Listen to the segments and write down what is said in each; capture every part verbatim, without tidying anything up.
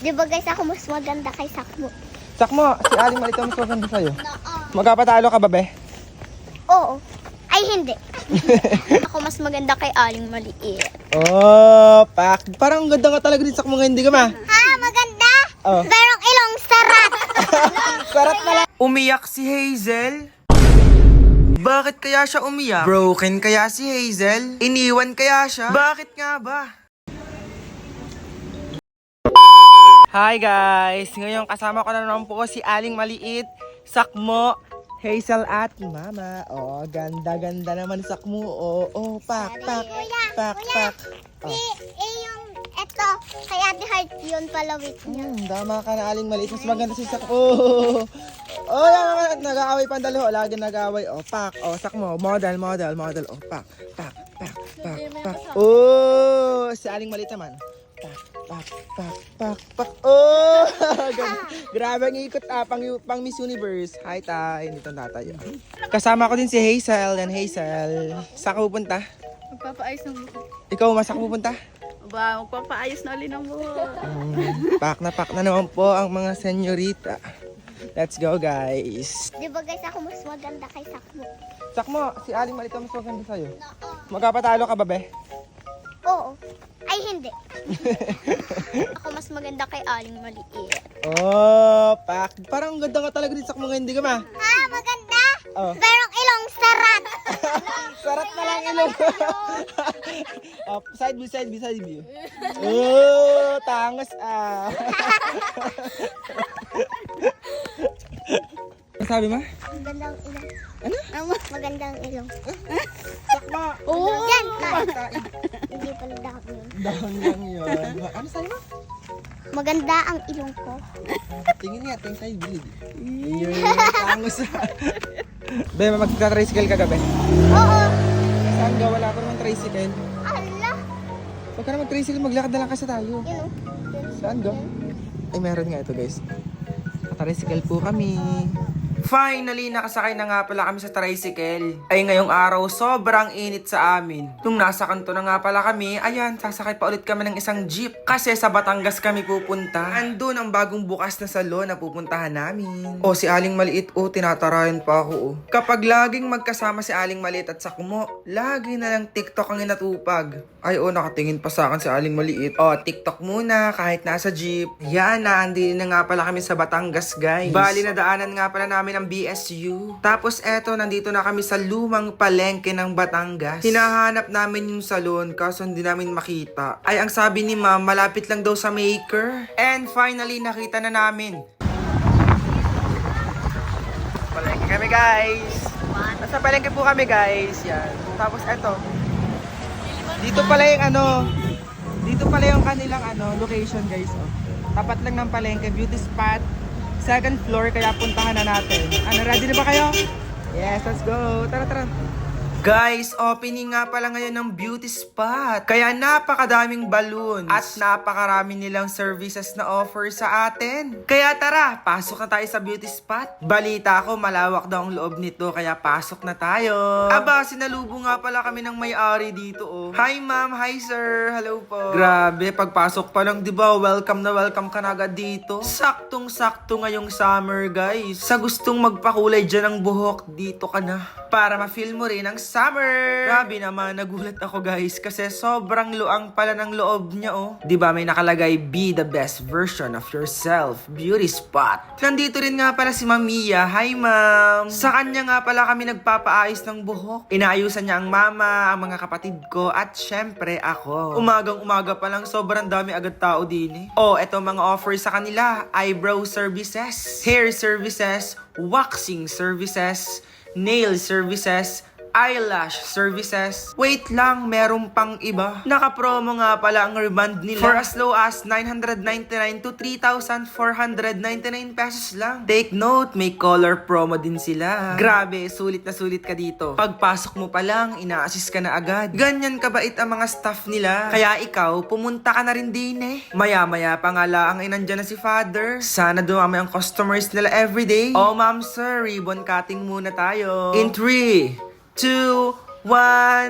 Di ba guys, ako mas maganda kay Sakmo? Sakmo, si Aling Maliit ang mas maganda sa'yo. Oo. Magkapatalo ka ba, be? Oo. Ay, hindi. Ako mas maganda kay Aling Maliit. Oh, pak. Parang ganda ka talaga din, Sakmo, ngayon, di ka ma? Ha? Maganda? Oh. Merong ilong sarat. Sarat pala. Umiyak si Hazel? Bakit kaya siya umiyak? Broken kaya si Hazel? Iniwan kaya siya? Bakit nga ba? Hi guys! Ngayon kasama ko na naman po si Aling Maliit, Sakmo, Hazel at Mama. Oh, ganda-ganda naman Sakmo. Oh, oh, pak, pak, pak, pak. Oh. Eh, eh, yung eto, kay Ate Heart yun palawit niya. Hmm, tama ka na Aling Maliit. Mas maganda si Sakmo. Oh, oh yan, nag-aaway pa ang dalawa. Lagi nag-aaway. Oh, pak. Oh, Sakmo. Model, model, model. Oh, pak, pak, pak, pak, pak. Oh, si Aling Maliit naman. Pak, pak, pak, pak, pak. Oh! Grabe ang ikot ah, pang, pang Miss Universe. Hi, tay. Dito na tayo. Kasama ko din si Hazel. Yan, Hazel. Saan ka pupunta? Magpapaayos ng buhok. Ikaw, masaan ka pupunta? Ba, magpapaayos na ulit ng buhok. Mm, pak na pak na naman po ang mga senyorita. Let's go, guys. Di ba guys, ako mas maganda kay Sakmo? Sakmo, si Aling Maliit ang mas maganda sa'yo. Oo. Magkapatalo ka ba, be? Oo. Ay, hindi. Ako mas maganda kay Aling Maliit. Oh, pak. Parang ganda ka talaga din, Sakmo, ngayon, di ka ma? Ha? Maganda? Oh. Merong ilong sarat. Sarat na lang ilong. Oh, side view, side view, side view. Oh, tangos ah. Ano sabi mo? Magandang ilong. Ano? Magandang ilong. Sakma. Oo! Yan. Kain. Hindi pala dahon yun. Dahon lang yun. Ano sabi mo? Maganda ang ilong ko. Tingin nga, tingin side view. Yun, tangos ah. Be, magta-tricycle ka gabi. Oo. Saan ga? Wala pa naman tricycle. Ala. Huwag ka na mag-tricycle, maglakad na lang kasi tayo. Yun o. Saan ga? Ay, meron nga ito guys. Tricycle po kami. Finally, nakasakay na nga pala kami sa tricycle. Ay ngayong araw, sobrang init sa amin. Nung nasa kanto na nga pala kami, ayan, sasakay pa ulit kami ng isang jeep. Kasi sa Batangas kami pupunta. Andun ang bagong bukas na salon na pupuntahan namin. O si Aling Maliit, o tinatarayan pa ako, o. Kapag laging magkasama si Aling Maliit at Sakmo, lagi na lang TikTok ang inatupag. Ay o, nakatingin pa sa akin si Aling Maliit. O, TikTok muna kahit nasa jeep. Yan na, andin na nga pala kami sa Batangas, guys. Bali na daanan nga pala namin ng B S U. Tapos eto, nandito na kami sa lumang palengke ng Batangas. Hinahanap namin yung salon kaso hindi namin makita. Ay, ang sabi ni ma'am, malapit lang daw sa Maker. And finally, nakita na namin. Palengke kami, guys. Nasa palengke po kami, guys. Yan. Tapos eto. Dito pala yung ano, dito pala yung kanilang ano, location, guys. Oh. Tapat lang ng palengke, beauty spot. Second floor, kaya puntahan na natin. Ano, ready na ba kayo? Yes, let's go. Tara, tara. Guys, opening nga pala ngayon ng beauty spot. Kaya napakadaming balloons at napakarami nilang services na offer sa atin. Kaya tara, pasok na tayo sa beauty spot. Balita ko, malawak daw ang loob nito, kaya pasok na tayo. Aba, sinalubong nga pala kami ng may-ari dito, oh. Hi ma'am, hi sir, hello po. Grabe, pagpasok pa lang, di ba, welcome na welcome ka na agad dito. Saktong-sakto ngayong summer, guys. Sa gustong magpakulay dyan ng buhok, dito ka na. Para ma-feel mo rin ang summer. Grabe naman, nagulat ako guys kasi sobrang luang pala ng loob niya, oh. 'Di ba may nakalagay, be the best version of yourself, beauty spot. Nandito rin nga pala si Ma'am Mia. Hi ma'am. Sa kanya nga pala kami nagpapaayos ng buhok. Inaayusan niya ang mama, ang mga kapatid ko at syempre ako. Umagang umaga pa lang, sobrang dami agad tao din eh. Oh, eto mga offer sa kanila, eyebrow services, hair services, waxing services, nail services, eyelash services. Wait lang, meron pang iba. Naka-promo nga pala ang reband nila for as low as nine hundred ninety-nine to three thousand four hundred ninety-nine pesos lang. Take note, may color promo din sila. Grabe, sulit na sulit ka dito. Pagpasok mo pa lang, ina-assist ka na agad. Ganyan kabait ang mga staff nila. Kaya ikaw, pumunta ka na rin din eh. Maya-maya pa nga lang ay nandyan na si Father. Sana dumami ang customers nila everyday. Oh ma'am sir, ribbon cutting muna tayo. In three, two, one,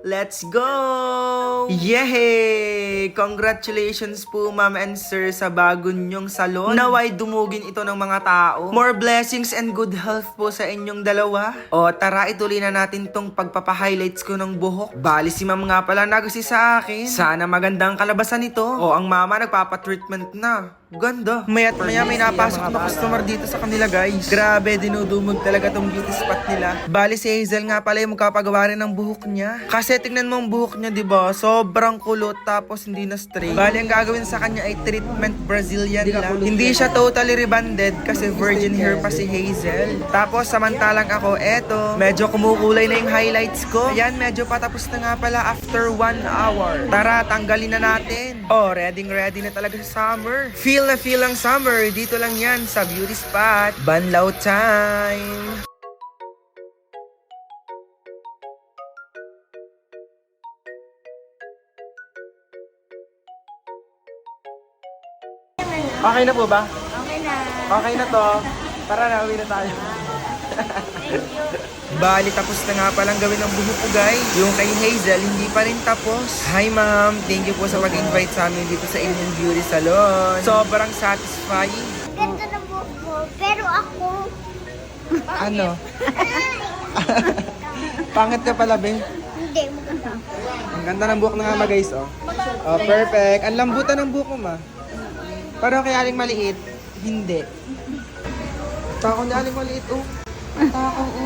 Let's go! Yehey! Congratulations po ma'am and sir sa bago nyong salon. Naway dumugin ito ng mga tao. More blessings and good health po sa inyong dalawa. O tara, ituloy na natin tong pagpapahighlights ko ng buhok. Bali si ma'am nga pala nagsi sa akin. Sana magandang kalabasan nito. O ang mama nagpapatreatment na. Ganda. Maya't maya may napasok na customer dito sa kanila guys. Grabe, dinudumog talaga tong beauty spot nila. Bali si Hazel nga pala yung magkapagawa rin ng buhok niya. Kasi tingnan mo ang buhok niya, diba? Sobrang kulot tapos hindi na straight. Bali ang gagawin sa kanya ay treatment Brazilian lang. Hindi siya totally rebonded kasi virgin hair pa si Hazel. Tapos samantalang ako, eto, medyo kumukulay na yung highlights ko. Ayan, medyo patapos na nga pala after one hour. Tara, tanggalin na natin. Oh, ready ready na talaga sa summer. Feel na feel ang summer. Dito lang yan sa beauty spot. Banlaw time! Okay na po ba? Okay na. Okay na to. Tara na, uwi na tayo. Bali, tapos na nga palang gawin ng buhok ko guys. Yung kay Hazel, hindi pa rin tapos. Hi ma'am, thank you po sa pag-invite sa amin dito sa inyong beauty salon. Sobrang satisfying. Ganda ng buhok mo, pero ako... Ano? Pangit ka pala, be. Hindi, maganda. Ang ganda ng buhok na nga ma guys, oh. Oh, perfect. Ang lambutan ng buhok mo, ma. Pero kay aling maliit, hindi. Tako ni aling maliit, oh. Tako, oh.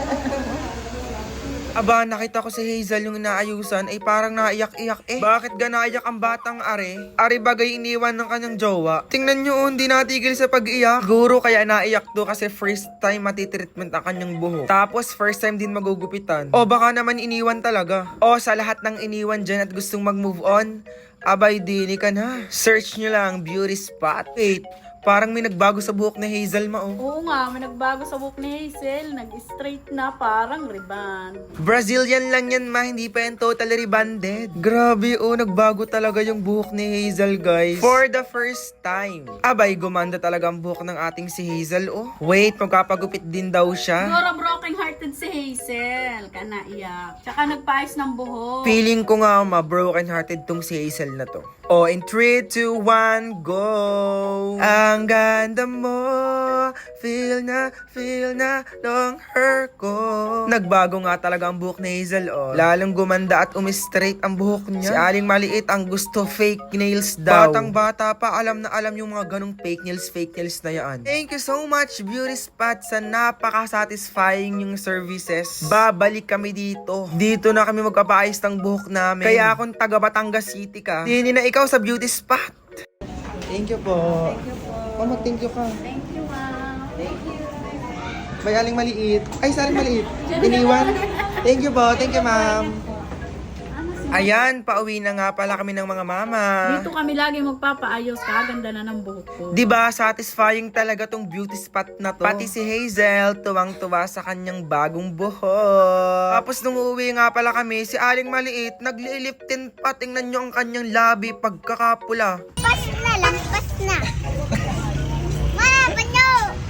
Aba, nakita ko si Hazel yung inaayusan ay parang naiyak-iyak eh. Bakit ga naiyak ang batang are? Are bagay iniwan ng kanyang jowa. Tingnan nyo, oh, hindi natigil sa pag-iyak. Guro kaya naiyak to kasi first time matitreatment ang kanyang buhok. Tapos first time din magugupitan. O baka naman iniwan talaga. O sa lahat ng iniwan dyan at gustong mag-move on, abay dili ka na. Search nyo lang, beauty spot. Wait, parang may nagbago sa buhok ni Hazel ma oh. Oo nga, may nagbago sa buhok ni Hazel. Nag-straight na, parang ribbon. Brazilian lang yan ma, hindi pa yan totally rebonded. Grabe oh, nagbago talaga yung buhok ni Hazel guys. For the first time. Abay, gumanda talaga ang buhok ng ating si Hazel oh. Wait, magkapagupit din daw siya. Siguro broken hearted si Hazel. Ka naiyak. Tsaka nagpaayos ng buhok. Feeling ko nga ma, broken hearted tong si Hazel na to. Oh, in three, two, one, go! Ang ganda mo, feel na, feel na, long hair ko. Nagbago nga talaga ang buhok ni Hazel, oh. Lalong gumanda at umistraight ang buhok niya. Si Aling Maliit ang gusto fake nails daw. Batang bata pa, alam na alam yung mga ganong fake nails, fake nails na yan. Thank you so much, Beauty Spot, sa napaka-satisfying yung services. Babalik kami dito. Dito na kami magpapaayos ng buhok namin. Kaya kung taga Batangas City ka, hindi na ikaw sa Beauty Spot. Thank you po. Thank you po. Oh, mag-thank you ka. Thank you, ma'am. Thank you. May Aling Maliit. Ay, sa Aling Maliit. Iniwan. Thank you po. Thank you, ma'am. Ayan, pauwi na nga pala kami ng mga mama. Dito kami lagi magpapaayos. Kaganda na ng buhok ko. Diba, satisfying talaga tong beauty spot na to. Pati si Hazel, tuwang-tuwa sa kanyang bagong buhok. Tapos nung uuwi nga pala kami, si Aling Maliit, nagliliptin pa. Tingnan nyo ang kanyang labi pagkakapula. Pas na lang, pas na. Ma, banyo!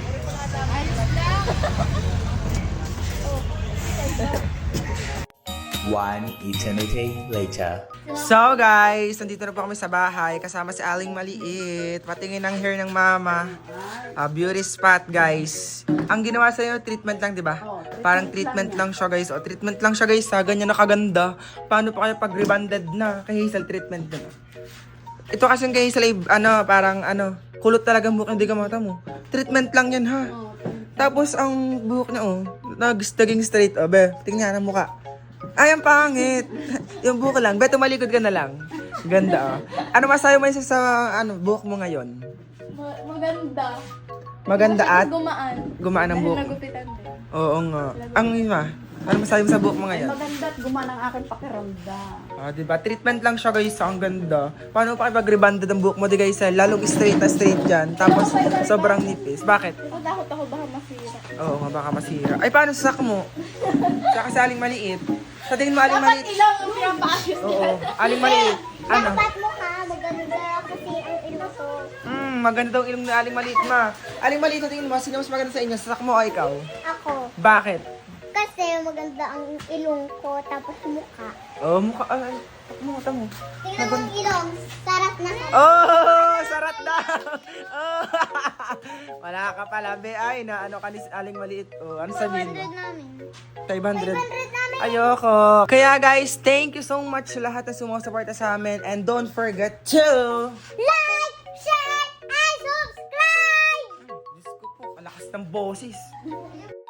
One eternity later. So guys, nandito na po kami sa bahay kasama si Aling Maliit. Patingin ang hair ng mama. Ah, beauty spot guys. Ang ginawa sa'yo, treatment lang, di ba? Parang treatment lang siya guys. O, treatment lang siya guys ha. Ganyan na kaganda. Paano pa kayo pag rebonded na? Kay Hazel, treatment na. Ito kasi kay Hazel, ano, parang ano, kulot talaga ang buhok, hindi ka mata mo. Treatment lang yan ha. Tapos ang buhok niya, oh, nag-staging straight. O, be, tingnan ang mukha. Ay, ang pangit. Yung buhok lang. Be, tumalikod ka na lang. Ganda, oh. Ano masayo mo sa, sa ano, buhok mo ngayon? Ma- maganda. Maganda at Gumaan. gumaan ang buhok. Nagupitan din. Oo nga. Ang iba, ano masayo mo sa buhok mo ngayon? Maganda at gumaan ang aking pakiramdam. Ah, diba? Treatment lang siya guys. Ang ganda. Paano pa kapag-rebonded ang buhok mo di guys? Lalong straight na straight dyan. Tapos sobrang nipis. Bakit? Ako takot ako baka masira. Oo nga, baka masira. Ay, paano sa sak mo? Saka sa Aling Maliit. Sa tingin mo Aling Dapat Maliit? ilaw ang pinapaayos. Oo. Aling Maliit. Ano? Dapat mo ka, maganda kasi ang ilo ko. Hmm, maganda daw ilong ni Aling Maliit ma. Aling Maliit, sa tingin mo, sino mas maganda sa inyo? Sa sak mo o ikaw? Ako. Bakit? Kasi maganda ang ilong ko, tapos mukha. Oh, mukha, ay, mo, tamo. Tingnan mo ang ilong. Sarap na sarap. Oh, sarat daw. Oh. Wala ka pala, be. Ay, na ano ka ni Aling Maliit. Oh, ano sabihin mo? five hundred namin. five hundred. five hundred namin. Ayoko. Kaya guys, thank you so much sa lahat na sumusuporta sa amin. And don't forget to... Like, share, and subscribe! Diyos ko po, ang lakas ng boses.